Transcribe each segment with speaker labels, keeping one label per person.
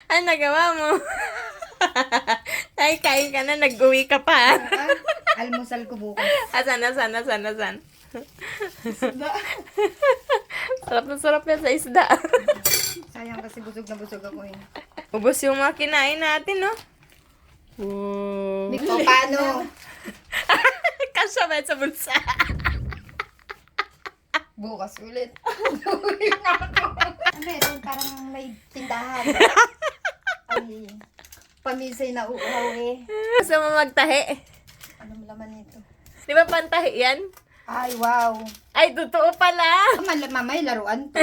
Speaker 1: Ano nagawa mo? Ay, kain ka na, nag-uwi ka pa.
Speaker 2: Almusal ko bukas.
Speaker 1: Asan? Sarap na sarap yan sa isda.
Speaker 2: Sayang kasi busog na busog ako eh.
Speaker 1: Ubos yung mga kinain natin, no? Wow.
Speaker 2: O paano?
Speaker 1: Kasya ba sa bulsa?
Speaker 2: Bukas ulit. Ulit na ako. Meron parang may tindahan. Ay, pamisay na uuhaw eh.
Speaker 1: Gusto mo magtahi?
Speaker 2: Anong laman nito?
Speaker 1: Di ba pantahi yan?
Speaker 2: Ay, wow.
Speaker 1: Ay, totoo pala.
Speaker 2: Mamay, laruan to.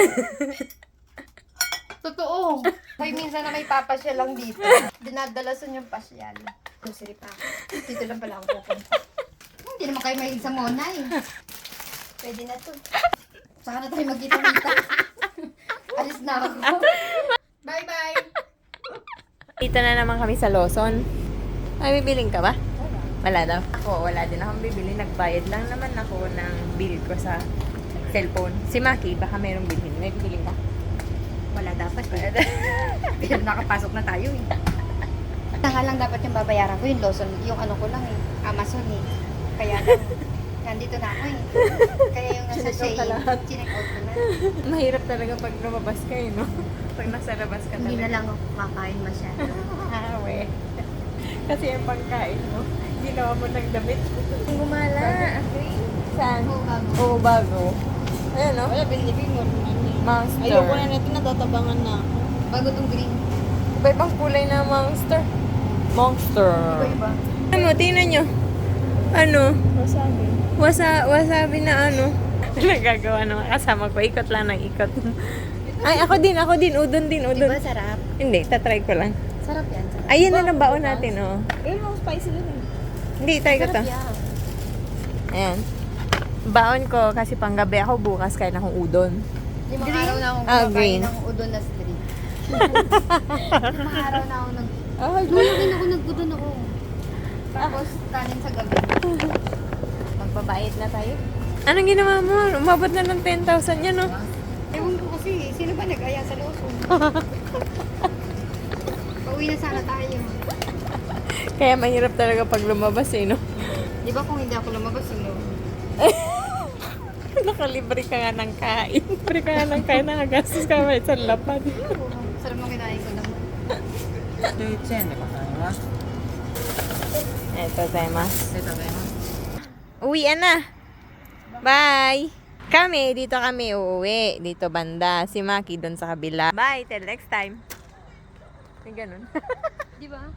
Speaker 2: Totoo. May minsan na may papasyal lang dito. Dinadalasan yung pasyal. Kusiri pa ako. Dito lang pala ako pupunta. Hindi naman kayo mahilig sa Mona eh. Pwede na to. Saka na tayo magkita-kita. Alis na ako. Bye-bye.
Speaker 1: Dito na naman kami sa Lawson. Ay, bibiling ka ba? Wala daw. Ako, wala din akong bibili. Nagbayad lang naman ako ng bill ko sa cellphone. Si Maki, baka mayroong bilhin. May bibiling ka?
Speaker 2: Wala dapat eh. Pero nakapasok na tayo eh. Nga lang dapat yung babayaran ko yung Lawson. Yung ano ko lang eh. Amazon eh. Kaya lang. Nandito na ako eh. Kaya yung nasa
Speaker 1: Chinek out ka
Speaker 2: Shein.
Speaker 1: lahat.
Speaker 2: Chinek out ko na.
Speaker 1: Mahirap talaga pag lumabas ka no? Pag nasa labas ka talaga.
Speaker 2: Hindi na lang ako kakain masyado.
Speaker 1: we. Kasi yung pagkain mo, ginawa mo ng damit. Gumala. Saan?
Speaker 2: Oo, bago.
Speaker 1: Oo, bago. Ayan, no?
Speaker 3: Wala, binibig mo.
Speaker 1: Monster.
Speaker 3: Ayoko na natin, natatabangan na.
Speaker 2: Bago tong green.
Speaker 1: Iba-ibang kulay na monster. Monster.
Speaker 2: Iba-iba.
Speaker 1: Ano mo, tingnan nyo. Ano?
Speaker 3: Wasabi.
Speaker 1: Wasabi na ano. Nagagawa ng kasama ko. Ikot lang ng ikot. Ay, ako din. Udon din, udon.
Speaker 2: Diba sarap?
Speaker 1: Hindi, tatry ko lang.
Speaker 2: Sarap yan. Sarap.
Speaker 1: Ayun na ng baon natin, oh.
Speaker 3: Ayun, mga spicy din eh.
Speaker 1: Hindi, try ko to.
Speaker 2: Sarap yan.
Speaker 1: Ayan. Baon ko kasi panggabi ako bukas kain akong udon.
Speaker 2: Limang araw na akong
Speaker 1: Ah,
Speaker 2: kumakain
Speaker 1: green.
Speaker 2: ng udon na street. Limang araw na ako nag...
Speaker 1: Oh,
Speaker 2: Rin ako nag-udon ako. Tapos kanin sa gabi.
Speaker 1: magbabayad na tayo. Anong ginawa mo? Umabot na ng 10,000 yan, no?
Speaker 2: Ewan ko kasi, sino ba nag-aya sa Lawson? Pauwi na sana tayo.
Speaker 1: Kaya mahirap talaga pag lumabas, eh, no?
Speaker 2: Di ba kung hindi ako lumabas, sino?
Speaker 1: Nakalibre ka nga ng kain. Libre ka nga ng kain, nakagastos ka ba isang lapad.
Speaker 2: Sarap mo kinain ko naman.
Speaker 1: Ito, Temas. Uwian na. Bye! Kami, dito kami uuwi. Dito banda. Si Maki doon sa kabila. Bye! Till next time. May ganun.
Speaker 2: Di ba?